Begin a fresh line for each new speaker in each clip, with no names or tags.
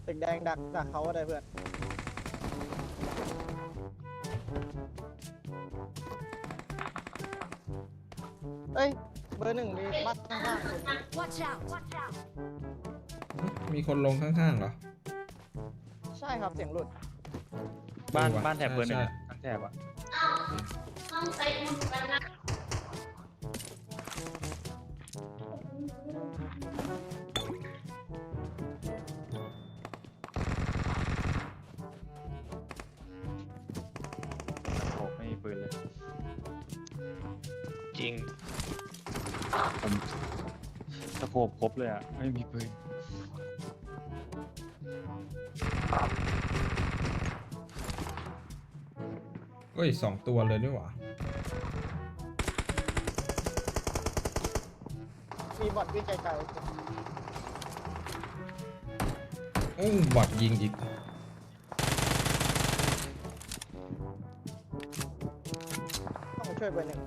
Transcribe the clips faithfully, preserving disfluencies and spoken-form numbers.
ตึกแดงดักดักเขาได้เพื่อนเอ้ยเบอร์หนึ่งมีบัตรข้างๆคน
มีคนลงข้างๆเหรอ
ใช่ครับเสียงหลุด
บ้านบ้านแถบเบอร์หนึ่งทั้งแถบอ่ะต้องไปอุ่นกันนะโอ้ไม่มีปืนเลย
จริง
ผมสโคปครบเลยอ่ะไม่มีปืน
เฮ้ยสองตัวเลยนี่หว่า
มีบอทวิ่งไกล
โอ้บอทยิงอีก
ต้องมาช่วยเบอร์หนึ่ง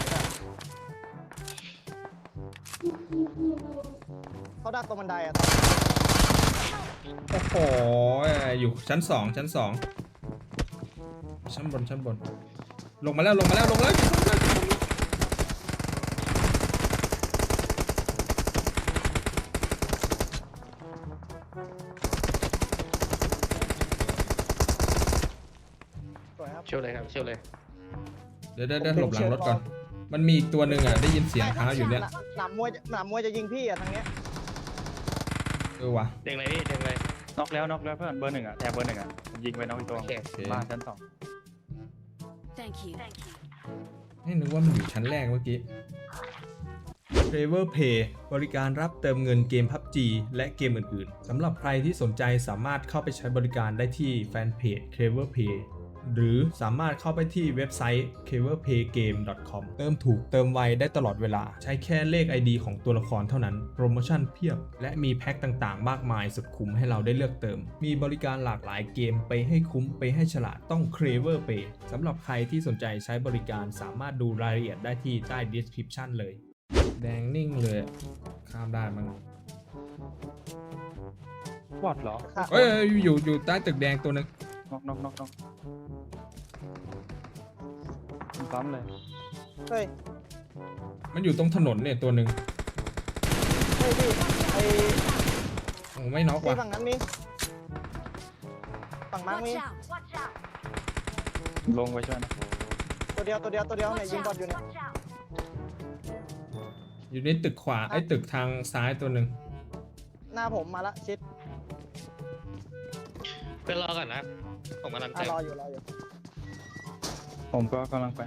เขาดักตรงบันไดอ่ะ
โอ้โหอยู่ชั้นสองชั้นสองชั้นบนชั้นบนลงมาแล้วลงมาแล้วลงแล้ว
สวยครับ
เชี่ยวเลยครับเชี่ยวเลย
เดี๋ยวเดี๋ยวหลบหลังรถก่อนมันมีอีกตัวหนึ่งอ่ะได้ยินเสียงเท้าอยู่เนี่ย
หนามมวยหนามมวยจะยิงพี่อ่ะทางเนี้ย
เออวะ
เด้งเลยพี่เด้งเลย
น็อกแล้วน็อกแล้วเพื่อนเบอร์หนึ่งอ่ะแถบเบอร์หนึ่งอ่ะยิงไปน็อกอีกตัวบ้านชั้นสอง
นี่นึกว่ามันอยู่ชั้นแรกเมื่อกี้ Clever Pay บริการรับเติมเงินเกม พับจี และเกมอื่นๆสำหรับใครที่สนใจสามารถเข้าไปใช้บริการได้ที่แฟนเพจ Clever Pay หรือสามารถเข้าไปที่เว็บไซต์ เคลเวอร์เพย์เกม ดอท คอม เติมถูกเติมไวได้ตลอดเวลาใช้แค่เลข ไอ ดี ของตัวละครเท่านั้นโปรโมชั่นเพียบและมีแพ็คต่างๆมากมายสุดคุ้มให้เราได้เลือกเติมมีบริการหลากหลายเกมไปให้คุ้มไปให้ฉลาดต้อง Clever Pay สำหรับใครที่สนใจใช้บริการสามารถดูรายละเอียดได้ที่ใต้ description เลยแดงนิ่งเลยข้ามได้มั้ง
บอดเหรอ
เอ้ยอยู่อยู่ใต้ตึกแดงตัวนึง
น็อกน็อกน็อกน็อกซ้ำเลย
เฮ้ย
มันอยู่ตรงถนนเนี่ยตัวหนึ่ง
เฮ้ยพี่ไอ
โอ้ไม่น็อกว่ะ
ฝั่งนั้นมีฝั่งมั้งมี
ลงไปช่วยนะ
ตัวเดียวตัวเดียวตัวเดียวเนี่ยยิงบอลอยู่เนี่ย
อยู่ในตึกขวาไอ้ตึกทางซ้ายตัวหนึ่ง
หน้าผมมาละชิด
เป็นรอก่อนนะผมกำลัง
รออยู่รออยู่
ผมก็กำลังไป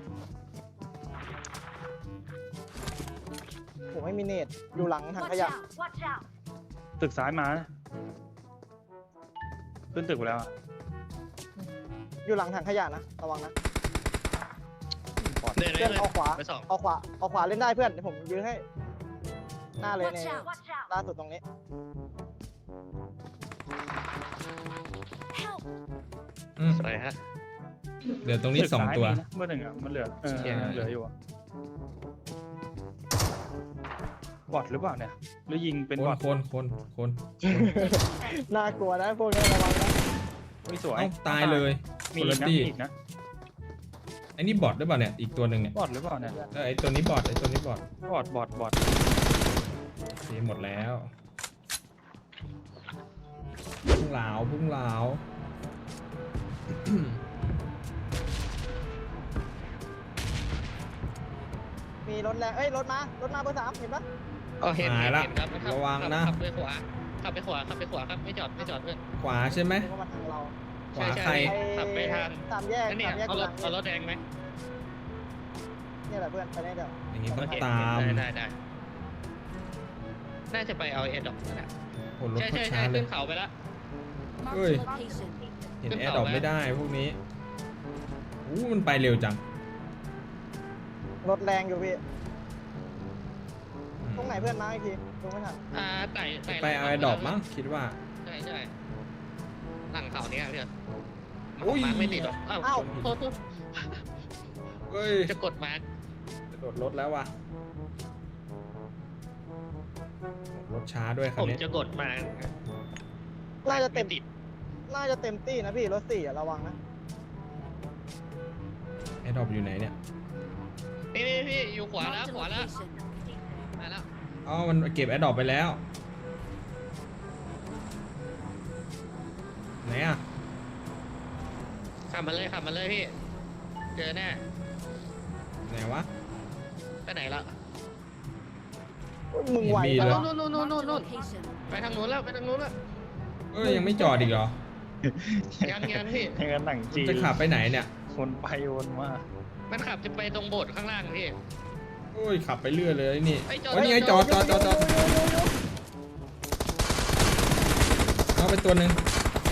ผมไม่มีเนตอยู่หลังถังขยะ
ตึกซ้ายมาขึ้นตึกไปแล้ว
อยู่หลังถังขยะนะระวังนะ
เพื่อน
เอาขวาเอาขวาเอาขวาเล่นได้เพื่อนเดี๋ยวผมยื้อให้หน้าเลยในล่าสุดตรงนี้
สวยฮะ
เหลือตรงนี้สองตัว
เมื่อหนึ่งอ่ะมันเหลือเออเหลืออยู่บอทหรือเปล่าเนี่ยหรือยิงเป็นบอท
คนคนคน
น่ากลัวนะพวกนี้ระวังนะ
ไม่สวย
ตายเลย
มีอีกนะ
ไอ้นี่บอทหรือเปล่าเนี่ยอีกตัวหนึ่งเนี่ย
บอทหรือเปล่าเนี่ย
เออไอ้ตัวนี้บอทไอ้ตัวนี้บอท
บอทบอทบอท
เสียหมดแล้วพุ่งเหลาพุ่งเหลา
มีรถแรงเอ้ยรถมารถมาเบอร์สามเห็นปะ
อ๋อเห็นเห็นครับ
ระวังนะ
ขับไปขวาขับไปขวาขับไปขวาครับไม่จอดไม่จอดเพื่อน
ขวาใช่ไหมขวาใคร
ขับไปทาง
สามแยก
นี่เอารถเอารถแดงไหม
นี่แหละเพื่อนไปได้เดี๋ยว
อย่างนี้ต้องตาม
ได้ได้น่าจะไปเอาเอ็ดดอกนะใช่ใช่ใช่ขึ้นเขาไปแล้ว
เฮ้ยเห็นแอร์ดรอปไม่ได้พวกนี้อู้มันไปเร็วจัง
รถแรงอยู่พี่ตรงไหนเพื่อนมาอีกทีดูไม่ทัน
อ่าไต่ไต่
ไปเอาแอร์ดรอปมั้งคิดว่า
ใช่ใช่หลังเขาเนี้ยเพื่อนมาร์กไม่ติดหรอกอ้าวโทษโทษ
เฮ้ย
จะกดมาร์ก
จะโดดรถแล้วว่ะรถช้าด้วยครับ
ผมจะกดมา
น่าจะเต็ม
ไติด
น่าจะเต็มตี้นะพี่รถสี่อะระวังนะ
ไอ้ดรอปอยู่ไหนเนี่ย
นี่นี่พี่อยู่ขวาแล้วขวาแล้วมาแล้ว
อ๋อมันเก็บไอ้ดรอปไปแล้วไหนอ่ะ
ขับมาเลยขับมาเลยพี่เจอแน่
ไหนวะ
ไปไหนละ
มึงไหว
มี
จั
เลย
ง
นู่นนู่นนู่นนู่นนู่นไปทางนู้นแล้วไปทางนู้นแล้ว
เอ้ยยังไม่จอดอีกเหรอ
ยังยังพี่
อย่างนั้นหนังจีน
จะขับไปไหนเนี่ย
วนไปวนมา
มันขับจะไปตรงโบสถ์ข้างล่างพี่
โอ้ยขับไปเรื่อยเลยนี่
เฮ้ยจอด
โอ้ยนี่ไงจอดจอดจอดจอดเอาไปตัวหนึ่ง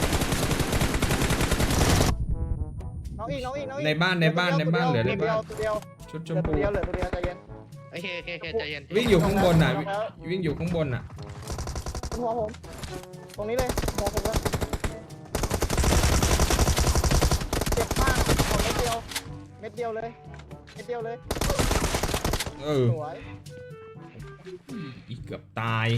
น้องอีกน้องอีกน้องอีก
ในบ้านในบ้านในบ้านเหลือใน
ตัวเดี
บ้า
วน ตัวเดียว
ชุดช
เห
ม
ลือตัว
พู
เดียวเหลือตัวเดียวใจเย็น
โอเคโอเคโอเคใจเย็น
วิ่งอยู่ข้างบนน่ะวิ่งวิ่งอยู่ข้างบนน่ะ
บนหัวผมตรงนี้เลยหัวผมเลยเจ็บมากขอเม็ดเดียวเม็ดเดียวเลยเม็ดเดียวเลย
เออ
สวย
อีกเกือบตาย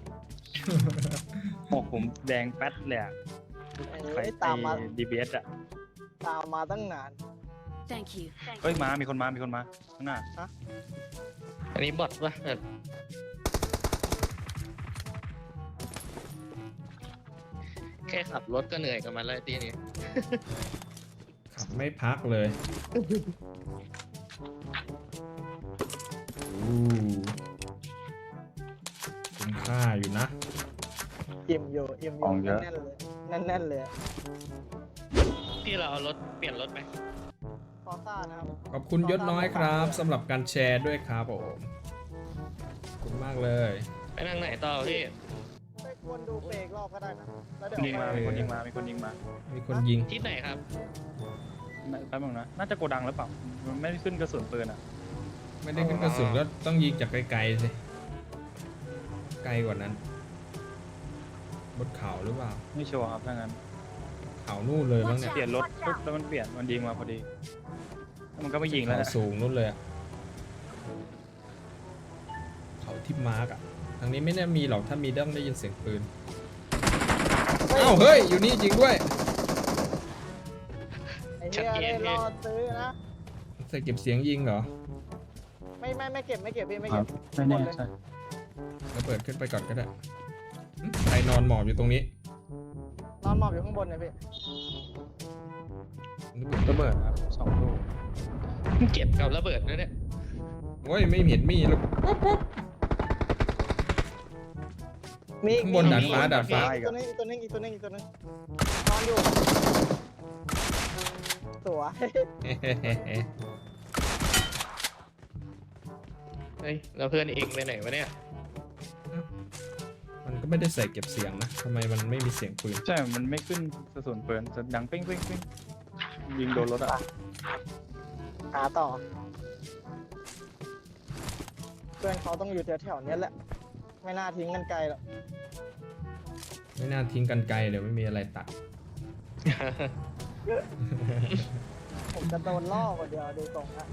หมกผมแดงแป๊ดเลยอะใคร
ไอ้
ไป
ตามมา
ดีบีเอสอะ
ตามมาตั้งนาน
Thank you.
เฮ้ยมามีคนมามีคนมาข้างหน้า
อันนี้บอทปะแบบแค่ขับรถก็เหนื่อยกับมันแล้วทีนี้
ขับไม่พักเลยอู้คุ้มค่าอยู่นะ
อิ่มอยู่อิ่มอยู่แน่นๆเลยแน่นๆเลย
พี่เราเอารถเปลี่ยนรถไหม
ฟอร์ซ่านะครับ
ขอบคุณยศน้อยครับสำหรับการแชร์ด้วยครับผมขอบคุณมากเลย
ไปทางไหนต่อพี่
ไปควรดูเบรกรอบก็ได้นะแล้วเดี๋ยว
ยิงมามีคนยิงมามีคนยิงมา
มีคนยิง
ที่ไหนครับ
แป๊บนึงนะน่าจะโกดังหรือเปล่ามันไม่ได้ขึ้นกระสุนปืนอะ
ไม่ได้ขึ้นกระสุนก็ต้องยิงจากไกลๆสิไกลกว่านั้นบนเขาหรือเปล่า
ไม่ชัวร์ครับถ้างั้น
เขานู่นเลยบ้างเนี่ย
เปลี่ยนรถปุ๊บแล้วมันเปลี่ยนมันยิงมาพอดีแล้วมันก็ไม่ยิงแล้ว
เขา
นะ
สูงนู่นเลยอะเขาที่มาร์กอะทางนี้ไม่น่ามีหรอกถ้ามีต้องได้ยินเสียงปืนอ้าวเฮ้ยอยู่นี่จริงด้วย
ไอ้เหี้ยได้รอซื้อนะ
ใส่เก็บเสียงยิงเหรอ
ไม่ไม่ไม่เก็บไม่เก็บพี่ไม่
ครั
เก็
บบ ไม่แน่ใช่
แล้วเปิดขึ้นไปก่อนก็ได้หึใครนอนหมอบอยู่ตรงนี้
นอนหมอบอยู่ข้างบนเนี่ยพี่
ระเบิดครับสองลูก
เก็บกับระเบิดนะเนี่ย
โอ้ยไม่เห็นมีแล้วปุ๊บปุ๊บ
มี
ข้างบนดาดฟ้าดาดฟ้า
อีกตัวนึงอีกตัวนึงอีกตัวนึงอีกตัวนึงนอนอยู่สวย
เฮ้ยเราเพื่อนเองไปไหนวะเนี่ย
มันก็ไม่ได้ใส่เก็บเสียงนะทำไมมันไม่มีเสียงปืน
ใช่มันไม่ขึ้นกระสุนปืนจะดังเป้งเป้งเป้งยิงโดนรถอะ
หาต่อ เพื่อนเขาต้องอยู่แถวๆเนี้ยแหละ ไม่น่าทิ้งกันไกลหรอก
ไม่น่าทิ้งกันไกลเลยไม่มีอะไรตัด
ผมจะโดนล่อกว่าเดียวดูตรงนะ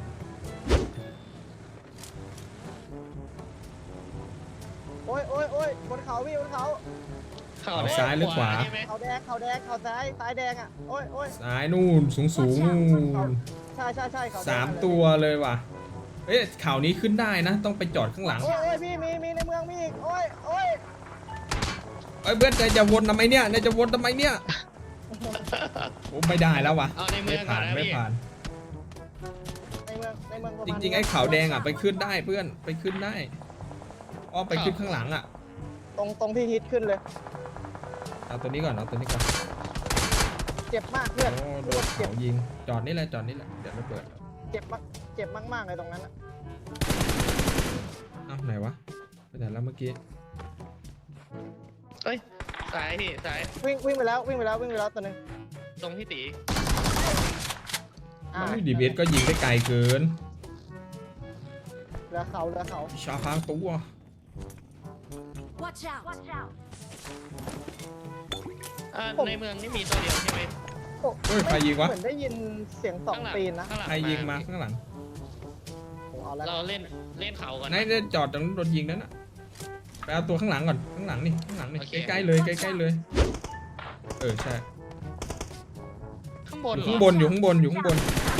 โอ้ยโอ้ยโอ้ยบนเขาพี่บนเขา
เข่า
เอา
แดง
ซ้ายหรือขวา
ใช่ไหม
เขาแดงเขาแดงเขาซ้ายซ้ายแดงอ่ะโอ้ยโอ้ย
ซ้ายนู่นสูงสูงนู่น
ใช่ใช่ใช่เขาแดง
สาม
เลย
ตัวเลยว่ะเอ๊ะข่าวนี้ขึ้นได้นะ ต้องไปจอดข้างหลัง
โอ้ยโอ้ยพี่มีมีในเมืองมีอีกโอ้ยโอ้ย
เอ้ยเพื่อนนายจะวนทำไมเนี่ยนายจะวนทำไมเนี่ยโอ้ไม่ได้แล้วว่ะ
เอาในเมื
ไม่
องก่อ
ผ่าน น
นะ
ไม่
พี่
ผ่าน
ในเมืองในเมืองประ
จ
มาณ
ริงๆไอ้ขาวแดงอ่ะไปขึ้นได้เพื่อนไปขึ้นได้อ้อมไปขึ้นข้างหลังอ่ะ
ตรงตรงที่ฮิตขึ้นเลย
เอาตัวนี้ก่อนเอาตัวนี้ก่อน
เจ็บมากเพื่อน
โอ้โดนเขายิงจอดนี่แหละจอดนี่แหละเดี๋ยวระเบิด
เจ็บมากเจ็บมากๆเลยตรงนั้นอะ
เอ้าไหนวะไปไหนแล้วเมื่อกี้
เอ้ยสายพี่สาย
วิ่งวิ่งไปแล้ววิ่งไปแล้ววิ่งไปแล้วตัวหนึง
ตรงพี่ตี
อ่า
ดีเบสก็ยิงได้ไกลเกิน
เหลือเขาเหลือเขา
ชาพางตัว
Watch out. Watch out.
อ่าในเมืองนี่มีตัวเดียวใช่ไหม
โอ้
เฮ้ยใครยิงวะ
เหมือนได้ยินเสียงสอง
ข้างหลัง
ตีนนะ
ข้างหลัง
ใครยิงมาข้างหลัง
โอ้เอาแล้ว
เราเล่นเล่นเขาก่อน
นายได้จอดตรงนั้นโดนยิงนั่นน่ะไปเอาตัวข้างหลังก่อนข้างหลังนี่ข้างหลังนี่
โอเค
ใกล้ๆเลยใกล้ๆเลย
ไป
เออใช่
ข้างบน
อยู่
เหร
ข้าง
อบ
นอยู่ข้างบนอยู่ข้างบน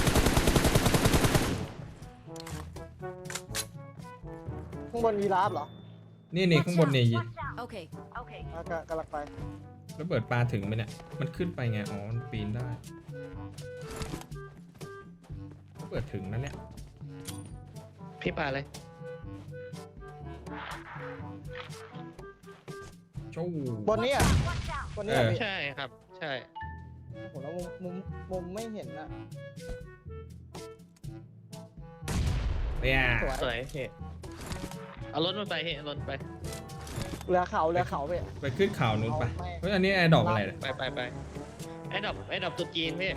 ข้างบนมีราฟเหรอ
นี่นี่ข้างบนนี่
Okay. Okay.
อ่ะกะกำลังไป
แล้วเปิดปลาถึงไหมเนี่ย มันขึ้นไปไง อ๋อ มันปีนได้ เปิดถึงนะเนี่ย
พี่ปาเลย
โจ้
บนนี้อ่ะบนนี้อ่ะ
เออ
พี่
ใช่ครับ ใช่
โอ้โหแล้วมุมมุมมุมไม่เห็นอ่ะ
เนี่ย
สวย
สวยเฮ้เอารถมันไปเฮ้เอารถไป
เรือเขาเรือเขาพี่
ไปขึ้นเขานู้นไป
เอาไม่
เฮ้ย อันนี้แอร์ดรอปอะไรเนี่ย
ไปไปไปไอ้ดอกไอ้ดอกตุจีนพี่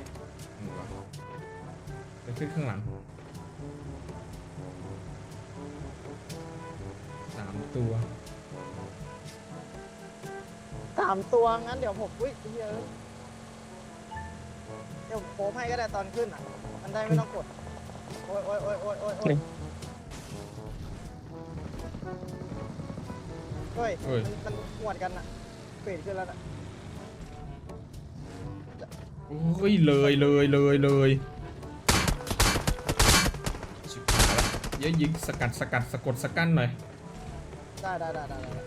ไปขึ้นข้างหลังสามตัว
สามตัวงั้นเดี๋ยวผมอุ้ยเยอะเดี๋ยวผมโค้งให้ก็ได้ตอนขึ้นอ่ะ มันได้ไม่ต้องกด โอ้ยโอ้ยโอ้ยโอ้ยโอ้ยโอ้ยเฮ้ย
เฮ้ย
มันมันหวดกันอ่ะเปลี่ยนขึ้นแล้วนะ
โอ้ยเลยเลยเลยเลยชิบหายละเยอะยิงสกัดสกัดสะกดสกั้นหน่อย
ได้ได้ได้ได้ได้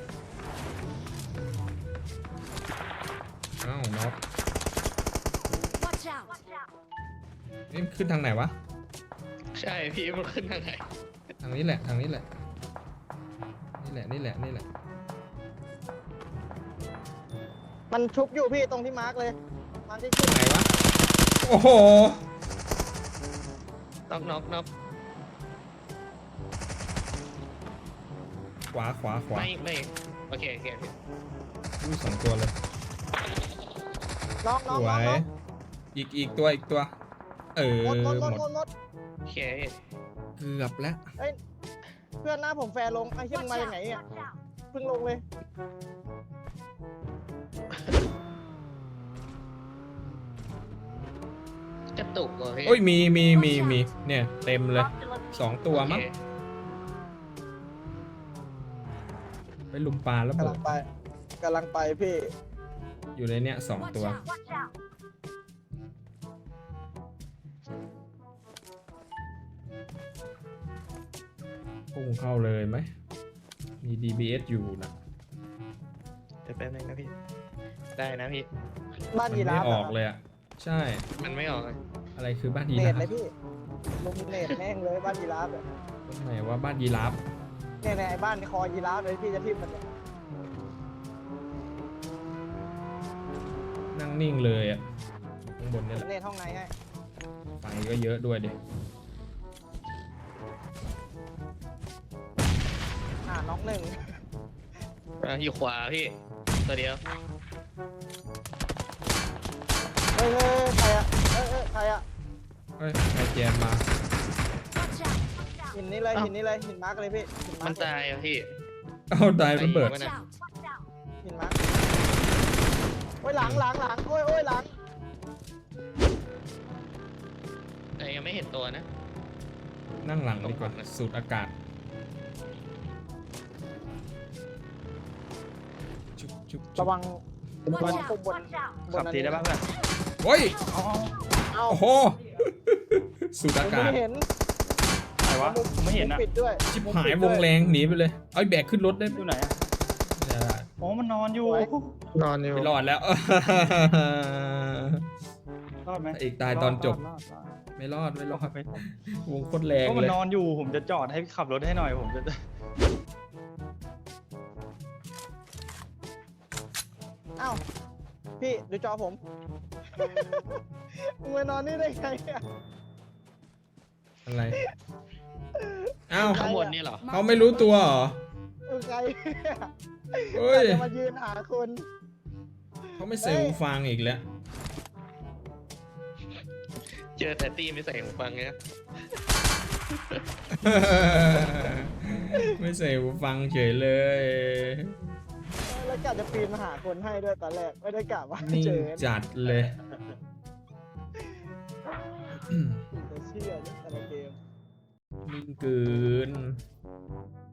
อ้าวน็อก
Watch out.
นี่ขึ้นทางไหนวะ
ใช่พี่มันขึ้นทางไหน
ทางนี้แหละทางนี้แหละ นี่แหละนี่แหละนี่แหละ
มันชุบอยู่พี่ตรงที่มาร์กเลยมาร์กที่ขึ้น
ไหนวะ โอ้โห
น็อกน็อกน็อก
ขวาขวาขวา
ไม่ไม่โอเคโอเคพี่
อุ้ยสองตัวเลย
น้องน้อง
สว
น้อง
ย
น้อง
อีกอีกตัวอีกตัว เออ
หมดหมดหมด
หม
หม
ด
ดหมด
โอเคพี่
เกือบแล้ว
เอ้ยเพื่อนหน้าผมแฟร์ลงไอ้เชี่ยมันมาจากไหนอ่ะเพิ่งลงเลย
กระตุกเหรอพี่
โอ้ยมีมีมีมีเนี่ยเต็มเลยสองตัวมั้ง
โอเค
ไปลุมปลาแล้ว
กำ
เบิ
ลั
ด
งไปกำลังไปพี่
อยู่ในเนี้ยสอง
Watch
ตัว
out. Watch out.
พุ่งเข้าเลยไหม มี ดี บี เอส อยู่นะ
เดี๋ยวแป๊บนึงนะพี่ ได้นะพี่
บ้าน
มัน
ยีรา
ไม่
ฟ
ออกเลยอ่ะ ใช่
มันไม่ออกเลย
อะไรคือบ้านยี
เน
รา
ต
ฟ
เลยพี่ลุมเนตแม่งเลยบ้านยีราฟอะ
ตรงไหนว่าบ้านยีราฟ
เนี่ยเนี่ยไอ้บ้านคอยีราฟเลยพี่จะทิ่มมันเนี่ย
นั่งนิ่งเลยอ่ะอยู่ข้างบนนี่แหละ
เนตห้องในให้
ไฟก็เยอะด้วยดิ
อ่าน้องหนึ่ง
อ่ะอยู่ขวาพี่ ตัวเดียว
เฮ้ยเฮ้ยใครอะเฮ้ยเฮ้ยใครอะ
เฮ้ยไอแจมมา
Watch out. Watch out.
หินนี้เลยหินนี้เลยหินมาร์กเลยพี่หินมา
มั
ร์
น
กเลย
ตายอ่ะพี่
เอาตายระเบิด
ไอ้
Watch out. Watch out.
หินมาร์กโอ้ยหลังหลังหลังโอ้ยโอ้ยหลัง
แต่ยังไม่เห็นตัวนะ
นั่งหลังดีกว่าสูดอากาศชุบชุบชุบ
ระวัง
Watch
ระวัง
out.
ปุ่มบน
Watch out.
บน
ขับ
อัน
ที
นี้
ได้ป่ะเพื่อน
โอ้ย
อ๋อ
เอ้า
โอ้โห สูด
ผ
อาม กาศ
ไม่เห็น
ไหนวะผมไม่เห็น
มุ
อ่ะ
มปิดด้วย
ชิบหายวงแรงหนีไปเลย เอาแบกขึ้นรถได้
อยู่ไหนอ่ะ
ไม่ได้
โอ้มันนอนอยู่
นอนอยู่
ไม่รอดแล้ว
รอดไหม
อีกตายตอนจบ
รอดรอด
ไม่รอดไม่รอด
ไม่รอด
วงโคตรแรง
ก็มั
เล
น
ย
นอนอยู่ผมจะจอดให้ขับรถให้หน่อยผมจะ
เอ้าพี่ดูจอผมมึงมานอนนี่ได้ไงอะ
อะไรอ้าว
ใคร
ข้างบนนี่เหรอ
เขาไม่รู้ตัวเหรอ
เออใคร
เฮ้ย
จะมายืนหาคน
เขาไม่ใส่หูฟังอีกแล้ว
เจอแต่ตีไม่ใส่หูฟังเงี้ย
ไม่ใส่หูฟังเฉยเลย
แล้วกะจะปีนมาหาคนให้ด้วยตอนแรกไม่ได้กะว่า
นิ่ง
เจอ
จัดเลย
จะเชื่อเนี่ยแต่ละเกม
นิ่งเกิน